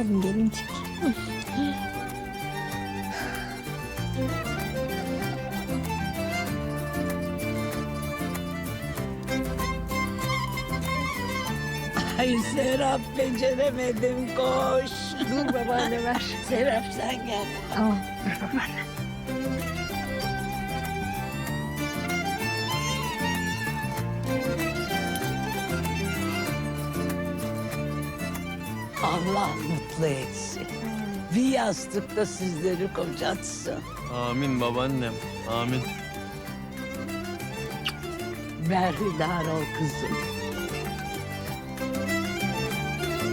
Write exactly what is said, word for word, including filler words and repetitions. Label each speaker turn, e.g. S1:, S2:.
S1: bakalım gelincik.
S2: Ay Serap beceremedim koş.
S1: Dur babaanne ver.
S2: Serap sen gel.
S1: Tamam dur babaanne.
S2: Allah mutlu etsin. Bir yastıkta sizleri kocatsın.
S3: Amin babaannem. Amin.
S2: Berhudar ol kızım.